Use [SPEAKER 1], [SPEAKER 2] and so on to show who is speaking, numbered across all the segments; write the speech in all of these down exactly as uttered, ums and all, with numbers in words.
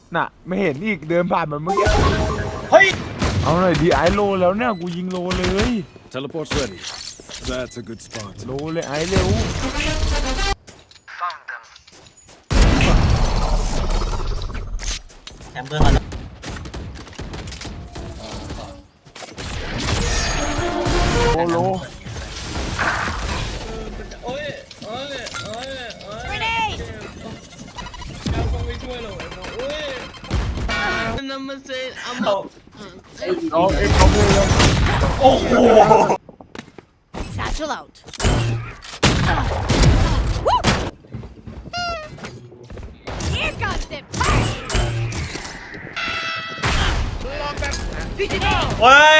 [SPEAKER 1] น่ะไม่เห็นอีกเดินผ่านมาเมื่อกี้
[SPEAKER 2] เฮ้ย
[SPEAKER 1] เอาหน่อยดีไอโลแล้วเนี่ยกูยิงโลเลย
[SPEAKER 3] Teleport's ready. That's a good spot.
[SPEAKER 1] โลเลยไอเร็ว
[SPEAKER 2] แชมเบอร์เขา
[SPEAKER 1] โลโล
[SPEAKER 4] โอ้ยโอ้ยโอ้ยโอ้ยไม่ได้เราคงไม่ช่วยหรอกโอ้ยนั่นมันเซนเอามา
[SPEAKER 1] เอาเอ็กเขาเลยแล้ว
[SPEAKER 2] โอ้โห
[SPEAKER 5] Satchel out. Here comes the party.
[SPEAKER 2] เฮ้ย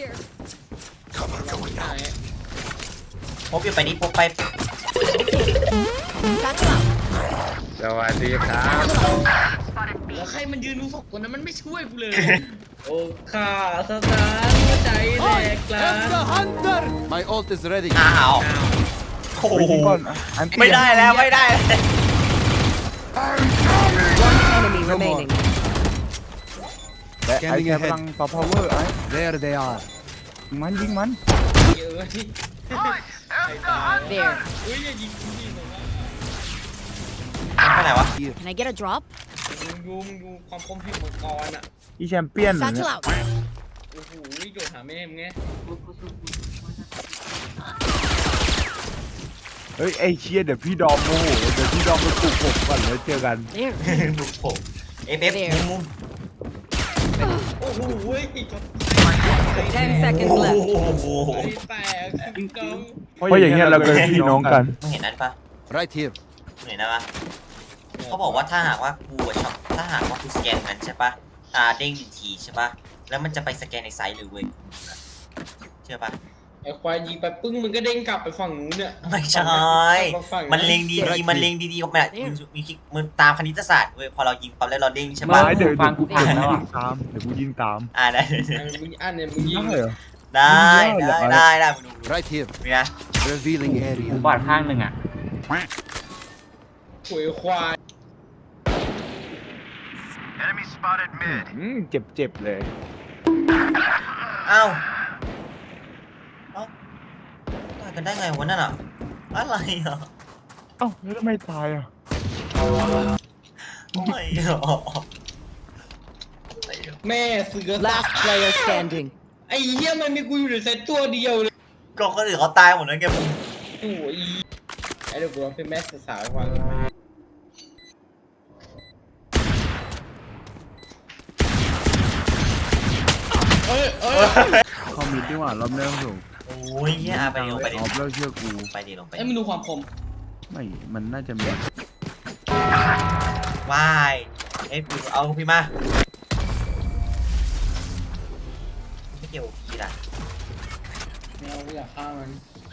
[SPEAKER 2] พกอยู่ไปนี่พกไป
[SPEAKER 5] Satchel out.
[SPEAKER 1] สวัสดีครับ
[SPEAKER 4] แล้วใครมันยืนดูศพตัวนั้นมันไม่ช่วยกูเลยโอ้ข้าสถานหัวใจแหลกลา
[SPEAKER 3] My ult is ready.
[SPEAKER 2] อ้าวโอ้โห
[SPEAKER 1] ไปยิงก่อนอัน
[SPEAKER 2] ไม่ได้แล้วไม่ได้
[SPEAKER 5] One enemy remaining.
[SPEAKER 1] แต่ไอแค่พลังต่อ power ไอ
[SPEAKER 3] There they are.
[SPEAKER 1] มันยิงมัน
[SPEAKER 4] เยอะที่
[SPEAKER 5] There.
[SPEAKER 4] อุ้ยอย่ายิงกูยิงผมว่า
[SPEAKER 2] ไปไหนวะ
[SPEAKER 5] Can I get a drop?
[SPEAKER 4] มึงดูมึงดูความคมพิวมังกรอ่ะ
[SPEAKER 1] อีแชมเปี้ยนเหรอเนี่
[SPEAKER 5] Satchel
[SPEAKER 1] ย
[SPEAKER 5] out.
[SPEAKER 4] โอ้โหโยนหาแม่มึงไง
[SPEAKER 1] เฮ้ยไอเชียเดี๋ยวพี่ดอมโมโหเดี๋ยวพี่ดอมไปปลุกผมก่อนแล้วเจอกัน
[SPEAKER 5] There.
[SPEAKER 2] บุกผมเอฟเอฟมุม
[SPEAKER 4] โอ้โหเว้ยจบ
[SPEAKER 5] Ten seconds
[SPEAKER 2] โอ้
[SPEAKER 5] left.
[SPEAKER 2] โห
[SPEAKER 4] ไอ้แตกกอง
[SPEAKER 1] เพราะอย่างเงี้ยเราเป็นพี่น้องกัน
[SPEAKER 2] มึงเห็นนั้นปะ
[SPEAKER 3] Right here.
[SPEAKER 2] มึงเห็นนะปะเขาบอกว่าถ้าหากว่ากูอะชอบถ้าหากว่ากูสแกนมันใช่ปะตาเด้งหนึ่งทีใช่ปะแล้วมันจะไปสแกนในไซส์เลยเว้ยเชื่อปะ
[SPEAKER 4] ไอ้ควายยิงไปปึ้งมันก็เด้งกลับไปฝั่งนู้นเนี่ย
[SPEAKER 2] ไม่ใช่ มันเล็งดีๆมันเล็งดีๆก็แบบมีคิดมันตามคณิตศาสตร์เว้ยพอเรายิงปั๊บแล้วเราเด้งใช่ปะ
[SPEAKER 1] ไม้เดี๋ยวฟังกูพังแล้วยิงตามเดี๋ยวกูยิงตาม
[SPEAKER 2] อ่าได้
[SPEAKER 4] มึงอันเนี่ยมึงยิง
[SPEAKER 1] ได้เหรอ
[SPEAKER 2] ได้ได้ได้ได้มึงดู
[SPEAKER 3] Right here.
[SPEAKER 2] นี่นะ
[SPEAKER 3] Revealing area.
[SPEAKER 6] บอดข้างหนึ่งอ่ะ
[SPEAKER 4] หวยควาย
[SPEAKER 1] อืมเจ็บเจ็บเลย
[SPEAKER 2] เอ้าเอ้าตายกันได้ไงวะนั่นอ่ะอะไรอ่ะ
[SPEAKER 1] เอ้าแล้วทำไมตายอ่ะ
[SPEAKER 2] ไม่หรอ
[SPEAKER 4] แม่เสือ
[SPEAKER 5] Last player standing.
[SPEAKER 4] ไอ้เหี้ยมันมีกูอยู่ในเซตตัวเดียวเลย
[SPEAKER 2] ก็คนอื่นเขาตายหมดแล้วแกมึง
[SPEAKER 4] โอ้ยไอ้เด็กกูเป็นแม่สาวๆฟังกันไหมเอ้ยเอ้ย
[SPEAKER 1] คอมมิตดีกว่ารอบแรกสูง
[SPEAKER 2] โอ้ยเฮียไปดิลงไปดิ
[SPEAKER 1] ออฟแล้วเชื่อกู
[SPEAKER 2] ไปดิลงไป
[SPEAKER 4] ไอ้มึงดูความคม
[SPEAKER 1] ไม่มันน่าจะมี
[SPEAKER 2] วายเอ้ยเอาพี่มาไม่เกี่ยวกับพี่ล่ะ
[SPEAKER 4] แมวกูอยากฆ่ามัน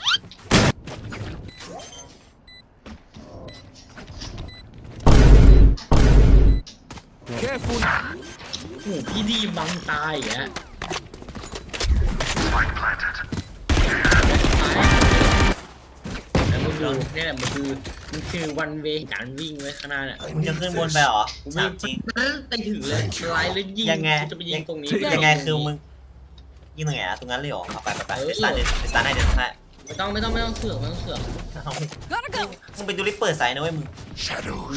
[SPEAKER 4] โอ้โหพี่ดีบังตายอย่างเงี้ยแต่มึงดูนี่แหละมันคือมันคือวันเวการวิ่งไว้ข้างหน้าเนี่ย
[SPEAKER 2] มึงจะขึ้นบนไปเหรอถามจริง
[SPEAKER 4] ไปถึงเลยไล่แล้วยิง
[SPEAKER 2] ยังไง
[SPEAKER 4] จะไปยิงตรงนี้
[SPEAKER 2] ยังไงคือมึงยิงตรงไหนอะตรงนั้นเลยเหรอเอาไปไปไปไปสตาร์ทเลยไปสตาร์ทให้เดี๋ยวให้
[SPEAKER 4] ไม่ต้องไม่ต้องไม่ต้องเสือกไม่ต้องเสือก
[SPEAKER 2] เอา
[SPEAKER 5] Gotta go.
[SPEAKER 2] มึงไปดูริปเปิดไซส์นะเว้ยมึง
[SPEAKER 3] Shadows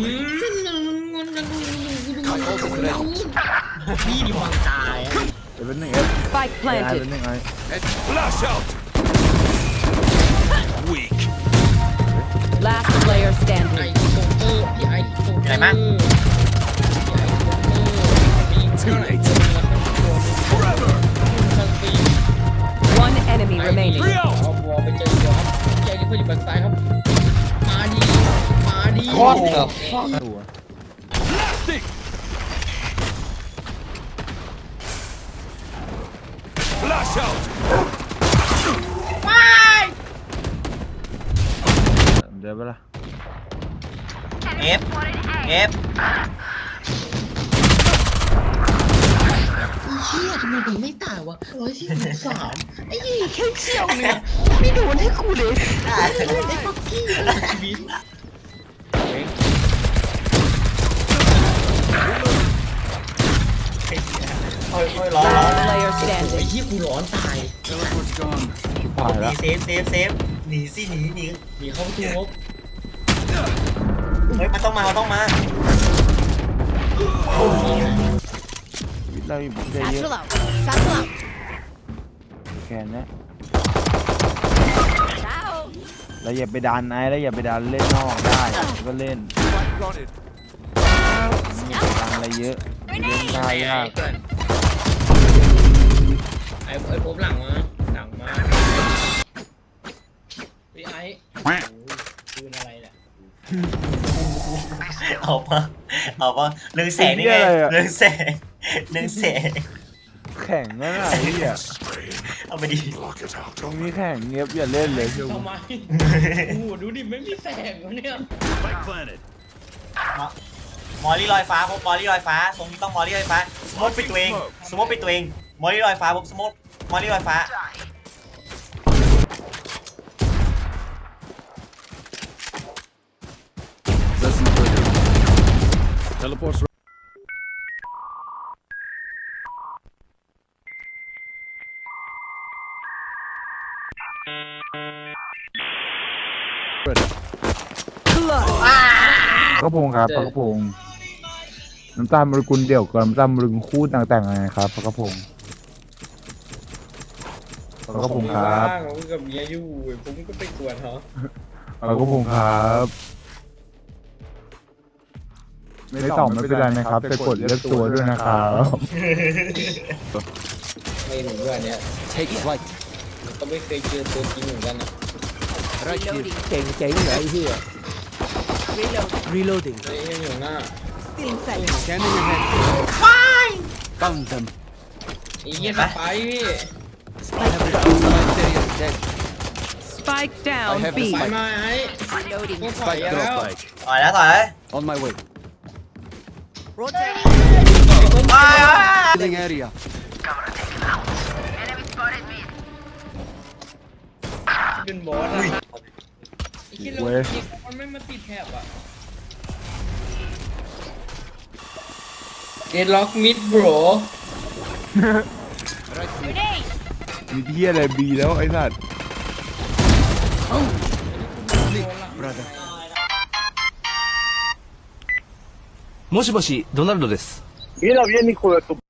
[SPEAKER 4] พี่ดีบังตายอะ
[SPEAKER 1] เดี๋ยวเป็นหนึ่งเอฟ
[SPEAKER 5] Spike
[SPEAKER 1] ไอ้เป็น
[SPEAKER 5] planted.
[SPEAKER 1] หนึ่งไอ้
[SPEAKER 3] Let's flash out. Weak.
[SPEAKER 5] Last player
[SPEAKER 4] ไอ
[SPEAKER 5] standing.
[SPEAKER 4] โซเตอร์พี่ไอโซเตอร์
[SPEAKER 2] ไหนมั้ง
[SPEAKER 4] พี่ไอโซเตอร์มีเท่าไหร่ตัวนึง
[SPEAKER 3] Forever.
[SPEAKER 4] ทั้งปี
[SPEAKER 5] One enemy
[SPEAKER 4] ไอ
[SPEAKER 5] remaining.
[SPEAKER 4] เอาบัวไปเจอบัวครับใจที่เพื่อนอยู่บนซ้ายครับมาดีมาดี
[SPEAKER 1] ตัว
[SPEAKER 3] Blasting. Flash out.
[SPEAKER 1] เดี๋ยวไปละ
[SPEAKER 2] เอฟเอฟ
[SPEAKER 4] เชี่ยทำไมถึงไม่ตายวะร้อยสี่สิบสามไอ้ยี่แค่เชี่ยวเนี่ยไม่โดนให้กูเลยไม่โดนให้ปักกี้ชีวิต
[SPEAKER 1] เ
[SPEAKER 2] อ้ยร้อนร้อน
[SPEAKER 5] Last player
[SPEAKER 4] ไอ้
[SPEAKER 5] standing.
[SPEAKER 4] ยี่กูร้อนตาย
[SPEAKER 3] Teleport's gone.
[SPEAKER 1] ผ่าน
[SPEAKER 2] หนี
[SPEAKER 1] แล้ว
[SPEAKER 2] เซฟเซฟเซฟหนีสิหนีหนี
[SPEAKER 4] มีเข้าประตูงบ
[SPEAKER 2] เฮ้ยมันต้องมามันต้องมา
[SPEAKER 1] ชีวิตเราอยู่ใจเยอะ
[SPEAKER 5] Satchel out. Satchel out.
[SPEAKER 1] แค่นี้
[SPEAKER 5] Ciao.
[SPEAKER 1] เราอย่าไปดันไอ้แล้วอย่าไปดันเล่นนอกได้ก็เล่น
[SPEAKER 3] Spike planted.
[SPEAKER 1] อย่าไปดันอะไรเยอะเล่นได้ยาก
[SPEAKER 4] ไอ้ไอ้พบหลังมาหลังมาพี่ไอ้ปืนอะไรเนี่ย
[SPEAKER 2] เอาปะเอาปะเรื่องแสงนี่ไงเรื่องแสงเรื่องแสง
[SPEAKER 1] แข่งนั่นน่ะไอ้เหี้ย
[SPEAKER 2] เอาไปดิ
[SPEAKER 3] Block it out.
[SPEAKER 1] ตรงนี้แข่งเงียบอย่าเล่นเลยเชียว
[SPEAKER 4] ทำไมโอ้โหดูดิไม่มีแสงวะเนี่ย
[SPEAKER 3] Spike planted.
[SPEAKER 2] มอลลี่ลอยฟ้าพบมอลลี่ลอยฟ้าตรงนี้ต้องมอลลี่ลอยฟ้าสโมกปิดตัวเองสโมกปิดตัวเองมอลลี่ลอยฟ้าพบสโมกมอลลี่ลอยฟ้า
[SPEAKER 3] Doesn't hurt. Teleport's ready.
[SPEAKER 1] กระพงครับปลากระพงน้ำตาลมรกุลเดี่ยวกับน้ำตาลมรกุลคู่ต่างๆไงครับปลากระพงปลากระพงครับ
[SPEAKER 4] บ้างผมกับเมียอยู่ผมก็ไปกวนเขา
[SPEAKER 1] ปลากระพงครับไม่ตอบไม่เป็นไรนะครับแต่กดเลือกตัวด้วยนะครับ
[SPEAKER 4] ไม่เหมือนด้วยเนี่ย
[SPEAKER 3] Take flight.
[SPEAKER 4] ก็ไม่เคยเจอตัวจริงเหมือนกันนะ
[SPEAKER 3] Right here.
[SPEAKER 5] Reloading.
[SPEAKER 6] เก่งเจ๋งเหรอไอ้เหี้ย
[SPEAKER 5] Reloading.
[SPEAKER 6] reloading
[SPEAKER 4] ตัวเองอยู่หน้า
[SPEAKER 5] Still inside.
[SPEAKER 3] Scanning ahead. Found them.
[SPEAKER 4] ไอ้เหี้ยไปพี่
[SPEAKER 3] I have it. Spike area is dead.
[SPEAKER 5] Spike
[SPEAKER 3] I
[SPEAKER 5] down
[SPEAKER 3] have
[SPEAKER 5] B.
[SPEAKER 3] the
[SPEAKER 4] ไป
[SPEAKER 3] spike.
[SPEAKER 4] มาไอ้
[SPEAKER 5] Reloading.
[SPEAKER 4] ต้องถอย
[SPEAKER 3] Spike
[SPEAKER 4] แล้ว
[SPEAKER 3] drop bike.
[SPEAKER 2] ต่อยแล้วต่อยแล้ว
[SPEAKER 3] On my way.
[SPEAKER 5] Rotate.
[SPEAKER 3] Healing area.
[SPEAKER 4] เป็นบอสอะไอ้เหี้ยเรายิงมันไม่มาติดแถบอะเดดล็อกมิดโบร
[SPEAKER 1] มีที่อะไรบีแล้วไอ้สัตว์
[SPEAKER 3] Sleep, brother.
[SPEAKER 7] もしもし、ドナルドです。
[SPEAKER 1] นี่เราเรียนนี่คุยกับ